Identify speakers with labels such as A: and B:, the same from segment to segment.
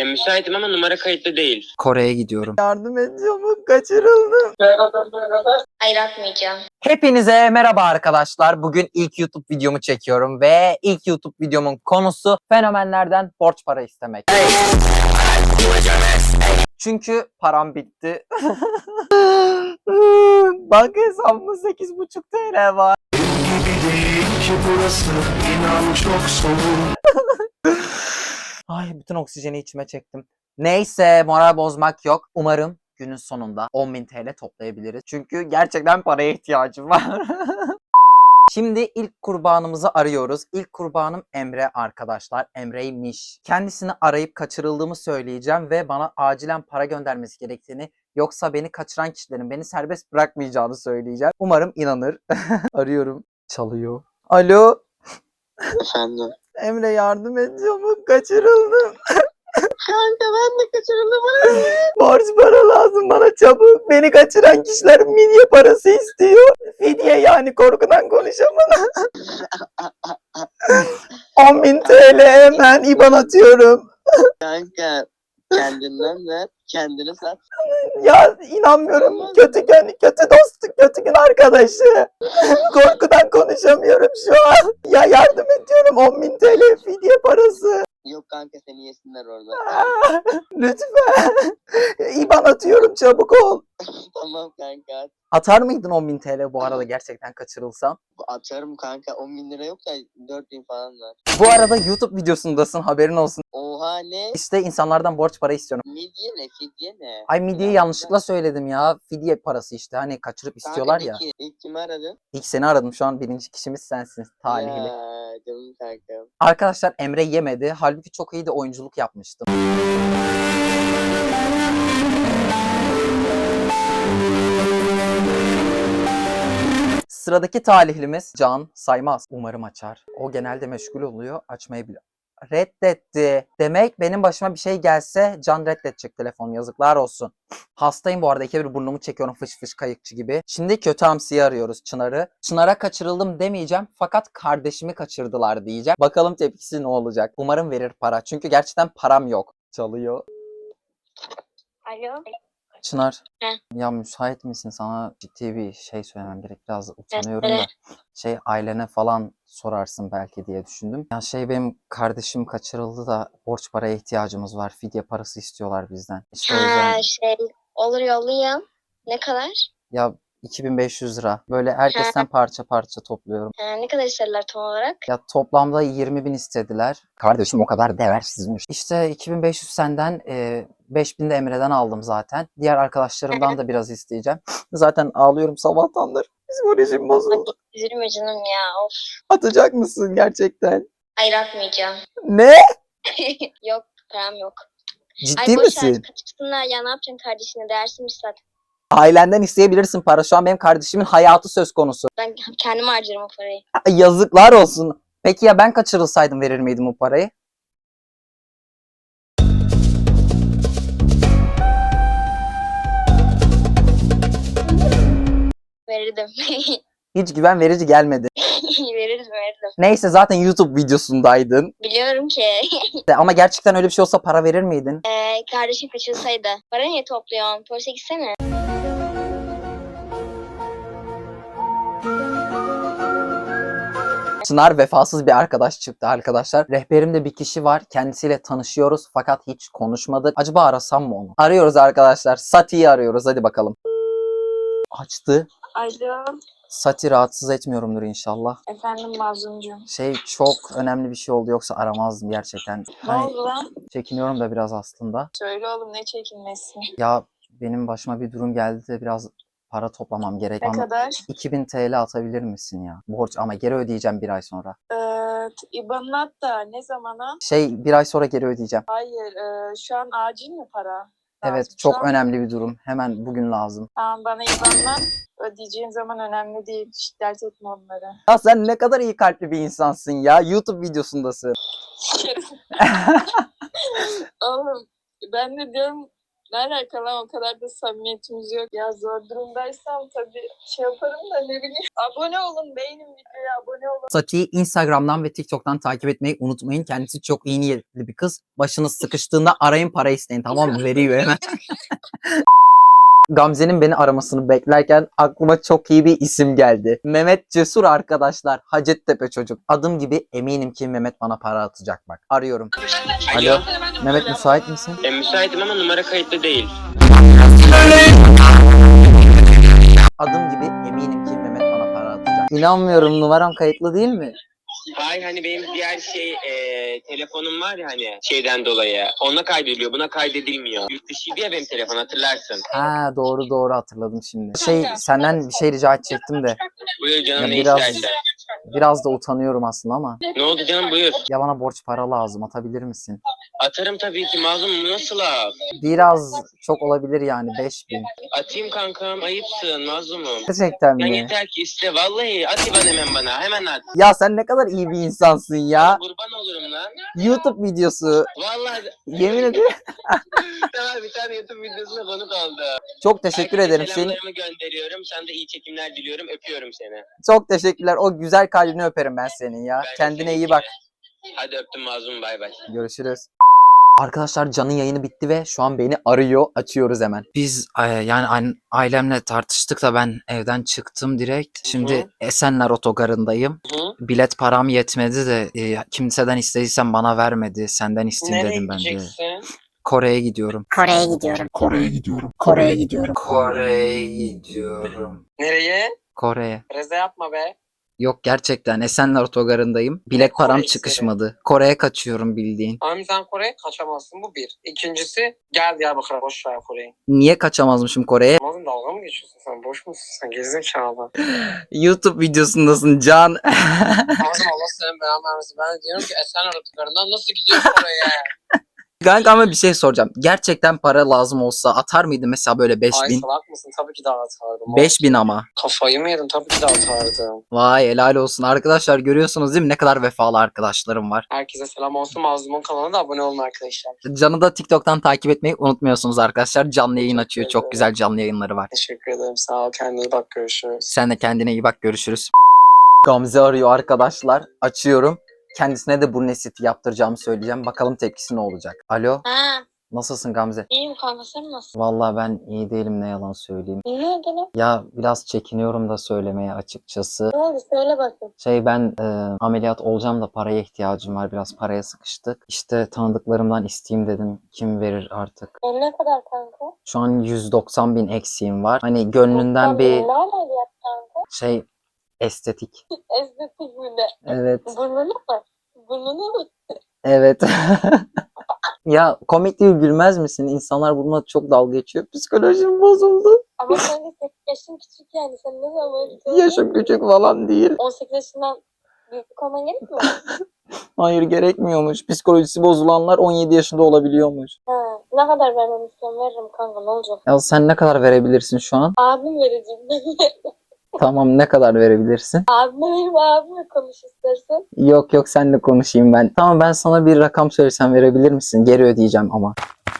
A: Müsaitim ama numara kayıtlı değil.
B: Kore'ye gidiyorum.
C: Yardım et çabuk, kaçırıldım.
D: Hayır atmayacağım.
B: Hepinize merhaba arkadaşlar. Bugün ilk YouTube videomu çekiyorum ve ilk YouTube videomun konusu fenomenlerden borç para istemek. Çünkü param bitti. Banka hesabımda 8,5 TL var. Ay, bütün oksijeni içime çektim. Neyse, moral bozmak yok. Umarım günün sonunda 10.000 TL toplayabiliriz. Çünkü gerçekten paraya ihtiyacım var. Şimdi ilk kurbanımızı arıyoruz. İlk kurbanım Emre arkadaşlar. Emre'ymiş. Kendisini arayıp kaçırıldığımı söyleyeceğim ve bana acilen para göndermesi gerektiğini, yoksa beni kaçıran kişilerin beni serbest bırakmayacağını söyleyeceğim. Umarım inanır. Arıyorum. Çalıyor. Alo.
A: Efendim.
C: Emre yardım et çabuk, kaçırıldım.
D: Kanka ben de kaçırıldım.
C: Borç para lazım bana çabuk. Beni kaçıran kişiler midye parası istiyor. Fidye, yani korkudan konuşamadım. 10.000 TL hemen IBAN atıyorum.
A: Kanka kendinden ver. Kendini sat.
C: Ya inanmıyorum. Kötü gün, kötü dostluk, kötü gün arkadaşı. Korkudan konuşamıyorum şu an. Ya yardım ediyorum, 10.000 TL fidye parası.
A: Yok kanka seni yesinler orada.
C: Lütfen. IBAN atıyorum, çabuk ol.
A: Tamam kanka.
C: Atar mıydın 10.000 TL bu arada gerçekten kaçırılsam?
A: Atarım kanka. 10.000 lira yok da 4.000 falan var.
C: Bu arada YouTube videosundasın, haberin olsun.
A: Oha ne?
C: İşte insanlardan borç para istiyorum.
A: Midye ne? Fidye ne?
C: Ay, midyeyi yanlışlıkla söyledim ya. Fidye parası işte, hani kaçırıp istiyorlar ya.
A: İlk kimi aradın?
C: İlk seni aradım, şu an birinci kişimiz sensin. Talihli.
A: Ya canım kankam.
C: Arkadaşlar, Emre yemedi. Halbuki çok iyi de oyunculuk yapmıştım. Sıradaki talihlimiz Can Saymaz. Umarım açar. O genelde meşgul oluyor. Açmayabilir. Reddetti. Demek benim başıma bir şey gelse Can reddedecek telefon. Yazıklar olsun. Hastayım bu arada. İkidir burnumu çekiyorum fış fış kayıkçı gibi. Şimdi kötü hamsiyi arıyoruz, Çınar'ı. Çınar'a kaçırıldım demeyeceğim. Fakat kardeşimi kaçırdılar diyeceğim. Bakalım tepkisi ne olacak. Umarım verir para. Çünkü gerçekten param yok. Çalıyor.
D: Alo.
C: Çınar.
D: Heh.
C: Ya müsait misin? Sana ciddi bir şey söylemem gerek. Biraz utanıyorum da. Ailene falan sorarsın belki diye düşündüm. Ya benim kardeşim kaçırıldı da borç paraya ihtiyacımız var. Fidye parası istiyorlar bizden. İşte o yüzden
D: Olur yollayayım. Ne kadar?
C: ya 2.500 lira. Böyle herkesten parça parça topluyorum.
D: Ne kadar isterler tam olarak?
C: Ya toplamda 20.000 istediler. Kardeşim o kadar değersizmiş. İşte 2.500 senden, 5.000 de Emre'den aldım zaten. Diğer arkadaşlarımdan da biraz isteyeceğim. Zaten ağlıyorum sabahtandır. Psikolojim bozuldu.
D: Üzülme canım ya. Of.
C: Atacak mısın gerçekten?
D: Hayır atmayacağım.
C: Ne?
D: Yok param yok.
C: Ciddi
D: boş ver,
C: misin?
D: kaçırsınlar ya, ne yapacaksın kardeşine, değersizmiş zaten.
C: Ailenden isteyebilirsin para. Şu an benim kardeşimin hayatı söz konusu.
D: Ben kendim harcarım o parayı.
C: Yazıklar olsun. Peki ya ben kaçırılsaydım verir miydim o parayı?
D: Verirdim.
C: Hiç güven verici gelmedi.
D: Verirdim.
C: Neyse, zaten YouTube videosundaydın.
D: Biliyorum ki.
C: Ama gerçekten öyle bir şey olsa para verir miydin?
D: Kardeşim kaçırsaydı. Para niye topluyorsun? Polise gitsene.
C: Çınar vefasız bir arkadaş çıktı arkadaşlar. Rehberimde bir kişi var. Kendisiyle tanışıyoruz fakat hiç konuşmadık. Acaba arasam mı onu? Arıyoruz arkadaşlar. Sati'yi arıyoruz. Hadi bakalım. Açtı.
E: Alo,
C: Sati, rahatsız etmiyorumdur inşallah.
E: efendim Mazlumcuğum.
C: Çok önemli bir şey oldu, yoksa aramazdım gerçekten.
E: Ne oldu lan?
C: Çekiniyorum da biraz aslında.
E: Söyle oğlum, ne çekinmesi?
C: Ya benim başıma bir durum geldi de biraz para toplamam gerek.
E: Ne kadar?
C: 2.000 TL atabilir misin ya? Borç, ama geri ödeyeceğim bir ay sonra.
E: İBAN'ını at da ne zamana?
C: Bir ay sonra geri ödeyeceğim.
E: Hayır, şu an acil mi para?
C: Evet,
E: Lazım.
C: çok
E: Şu an-
C: önemli bir durum. Hemen bugün lazım.
E: Tamam, bana İBAN'dan ödeyeceğin zaman önemli değil. Hiç dert etme onları.
C: Ya sen ne kadar iyi kalpli bir insansın ya. YouTube videosundasın.
E: Oğlum, ben de diyorum Ne alaka lan, o kadar da samimiyetimiz yok. Ya zor durumdaysam tabii şey yaparım da ne bileyim. Abone olun, beğenin videoya, abone olun.
C: Sati'yi Instagram'dan ve TikTok'tan takip etmeyi unutmayın. Kendisi çok iyi niyetli bir kız. Başınız sıkıştığında arayın, para isteyin, tamam mı? Veriyor hemen. Gamze'nin beni aramasını beklerken aklıma çok iyi bir isim geldi. Mehmet Cesur arkadaşlar. Hacettepe çocuk. Adım gibi eminim ki Mehmet bana para atacak bak. Arıyorum. Alo. Mehmet müsait misin?
F: Müsaitim ama numara kayıtlı değil.
C: Adım gibi eminim ki Mehmet bana para atacak. İnanmıyorum, numaram kayıtlı değil mi?
F: Hayır, hani benim diğer telefonum var ya, hani şeyden dolayı. Ona kaydediliyor, buna kaydedilmiyor. Yurt dışıydı ya benim telefon, hatırlarsın.
C: Ha, doğru hatırladım şimdi. Senden bir şey rica edecektim de.
F: Buyur canım,
C: Ya
F: ne
C: biraz-
F: istersen.
C: Biraz da utanıyorum aslında ama.
F: Ne oldu canım, buyur.
C: Ya bana borç para lazım, atabilir misin?
F: Atarım tabii ki mazlum, nasıl laf?
C: Biraz çok olabilir yani, 5.000.
F: Atayım kankam, ayıpsın mazlumum.
C: Gerçekten
F: Sen
C: mi?
F: yeter ki iste, vallahi at İban hemen bana, hemen at.
C: Ya sen ne kadar iyi bir insansın ya.
F: Kurban olurum lan.
C: YouTube videosu.
F: Vallahi.
C: Yemin ederim.
F: Tamam, bir tane YouTube videosuna konuk oldu.
C: Çok teşekkür
F: Herkese
C: ederim. Seni
F: selamlarımı gönderiyorum. Sen de iyi çekimler diliyorum. Öpüyorum seni.
C: çok teşekkürler. O güzel kalbini öperim ben senin ya.
F: Ben de
C: Kendine
F: seni
C: iyi bak.
F: Hadi öptüm mazlum, bay bay.
C: Görüşürüz. Arkadaşlar Can'ın yayını bitti ve şu an beni arıyor. Açıyoruz hemen. Biz yani ailemle tartıştık da ben evden çıktım direkt. Şimdi Esenler Otogarı'ndayım.
F: Hı?
C: Bilet param yetmedi de kimseden istediysem bana vermedi. Senden isteyeyim
F: Nereye
C: dedim ben de.
F: gideceksin?
C: Kore'ye gidiyorum.
G: Kore'ye gidiyorum.
C: Kore'ye gidiyorum.
F: Nereye?
C: Kore'ye.
F: Reza yapma be.
C: Yok, gerçekten Esenler Otogarı'ndayım. Bilet param
F: Kore'si?
C: çıkışmadı. Kore'ye kaçıyorum bildiğin.
F: Abi sen Kore'ye kaçamazsın, bu bir. İkincisi, gel Diyarbakır'a, boş ver Kore'yi.
C: Niye kaçamazmışım Kore'ye?
F: Mazlum, dalga mı geçiyorsun sen? Boş musun sen? Gerizekalı.
C: YouTube videosundasın Can.
F: Mazlum, Allah senin belanı vermesin. Ben diyorum ki Esenler Otogarı'ndan nasıl gidiyorsun Kore'ye?
C: Kanka ama bir şey soracağım. Gerçekten para lazım olsa atar mıydın mesela böyle
F: Ay
C: 5.000?
F: salak mısın? Tabii ki de atardım.
C: 5.000 ama.
F: Kafayı mı yedim? Tabii ki de atardım.
C: Vay, helal olsun. Arkadaşlar görüyorsunuz değil mi? Ne kadar vefalı arkadaşlarım var.
F: Herkese selam olsun. Mazlum'un kanalına da abone olun arkadaşlar.
C: Can'ı da TikTok'tan takip etmeyi unutmuyorsunuz arkadaşlar. Canlı yayın açıyor. Çok güzel canlı yayınları var.
F: Teşekkür ederim. Sağ ol. Kendine iyi bak. Görüşürüz.
C: Sen de kendine iyi bak. Görüşürüz. Gamze arıyor arkadaşlar. Açıyorum. Kendisine de burun estetiği yaptıracağımı söyleyeceğim. Bakalım tepkisi ne olacak. Alo.
D: Ha,
C: Nasılsın Gamze?
D: iyiyim kanka, sen nasılsın?
C: Vallahi ben iyi değilim, ne yalan söyleyeyim.
D: Ne oldu lan?
C: Ya biraz çekiniyorum da söylemeye açıkçası.
D: Ne oldu, söyle bakayım.
C: Ben ameliyat olacağım da paraya ihtiyacım var. Biraz paraya sıkıştık. İşte tanıdıklarımdan isteyeyim dedim. Kim verir artık?
D: Ne kadar kanka?
C: Şu an 190.000 eksiğim var. Hani gönlünden bir
D: Ne ameliyat kanka?
C: estetik.
D: Estetik mi de?
C: Evet.
D: Burnunu mu? Burnunu mu?
C: Evet. Ya komik değil, gülmez misin? İnsanlar bununla çok dalga geçiyor. Psikolojim bozuldu.
D: Ama sen de 8 yaşın küçük yani. Sen ne zaman
C: Yaşım küçük falan değil.
D: 18 yaşından büyük olman gerekmiyor mu?
C: Hayır, gerekmiyormuş. Psikolojisi bozulanlar 17 yaşında olabiliyormuş.
D: Ha, ne kadar vermemi istiyorsun, veririm kanka, ne olacak?
C: Ya sen ne kadar verebilirsin şu an?
D: Abim vereceğim.
C: Tamam, ne kadar verebilirsin?
D: Abimle konuş istersen.
C: Yok seninle konuşayım ben. Tamam, ben sana bir rakam söylesem verebilir misin? Geri ödeyeceğim ama.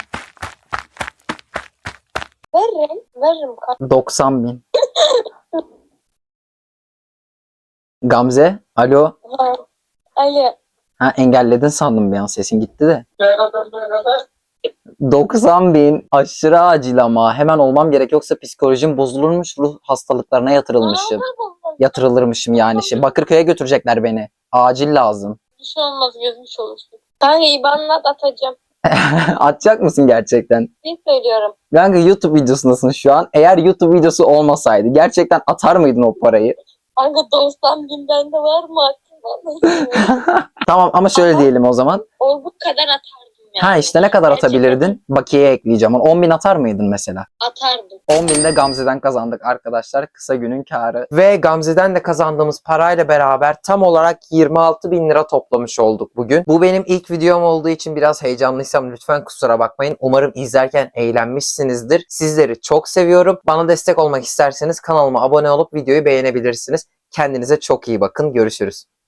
D: Veririm kanka.
C: 90.000. Gamze, alo.
D: Ha. Ali.
C: Ha, engelledin sandım bir an, sesin gitti de. 90.000 aşırı acil ama hemen olmam gerek, yoksa psikolojim bozulurmuş, ruh hastalıklarına yatırılırmışım yani. Bakırköy'e götürecekler beni. Acil lazım.
D: Bir şey olmaz, gözmüş olursun. Kanka IBAN'la atacağım.
C: Atacak mısın gerçekten?
D: Ne söylüyorum?
C: Kanka YouTube videosundasın şu an. Eğer YouTube videosu olmasaydı gerçekten atar mıydın o parayı?
D: Kanka 90.000 bende var mı aklımda?
C: Tamam ama şöyle diyelim o zaman.
D: Olduğu kadar atardım yani.
C: Ha işte ne kadar
D: Gerçekten
C: atabilirdin? Bakiyeye ekleyeceğim. 10.000 atar mıydın mesela?
D: Atardım.
C: 10.000 de Gamze'den kazandık arkadaşlar. Kısa günün kârı. Ve Gamze'den de kazandığımız parayla beraber tam olarak 26.000 lira toplamış olduk bugün. Bu benim ilk videom olduğu için biraz heyecanlıysam lütfen kusura bakmayın. Umarım izlerken eğlenmişsinizdir. Sizleri çok seviyorum. Bana destek olmak isterseniz kanalıma abone olup videoyu beğenebilirsiniz. Kendinize çok iyi bakın. Görüşürüz.